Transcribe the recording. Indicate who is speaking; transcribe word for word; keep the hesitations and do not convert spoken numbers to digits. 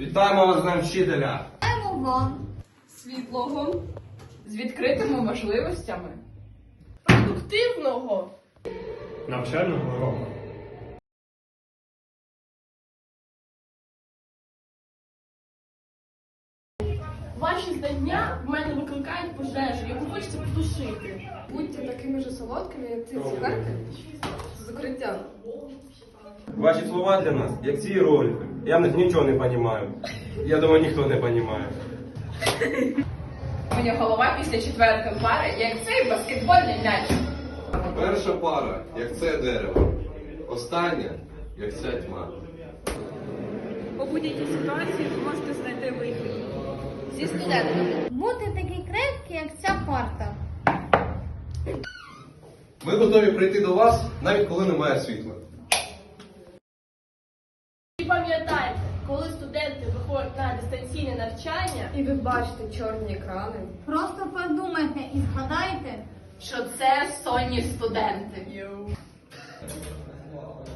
Speaker 1: Вітаємо вас з Днем вчителя!
Speaker 2: Вітаємо вам!
Speaker 3: Світлого, з відкритими можливостями, продуктивного,
Speaker 4: навчального року.
Speaker 5: Ваші знання в мене викликають пожежу, яку хочеться потушити.
Speaker 3: будьте такими ж солодкими, як ці цукерки з укриття.
Speaker 1: Ваші слова для нас, як ці ролики. Я в них нічого не розумію. Я думаю, ніхто не розуміє.
Speaker 3: Мені голова після четвертої пари, як цей баскетбольний м'яч.
Speaker 6: Перша пара, як це дерево. Остання, як ця тьма.
Speaker 7: У будь-якій ситуації ви можете знайти вихід.
Speaker 3: Зі студентами.
Speaker 2: Бути такі крепкі, як ця парта.
Speaker 6: Ми готові прийти до вас, навіть коли немає світла.
Speaker 5: І пам'ятайте, коли студенти виходять на дистанційне навчання,
Speaker 3: І ви бачите чорні екрани,
Speaker 2: Просто подумайте і згадайте,
Speaker 3: що це сонні студенти.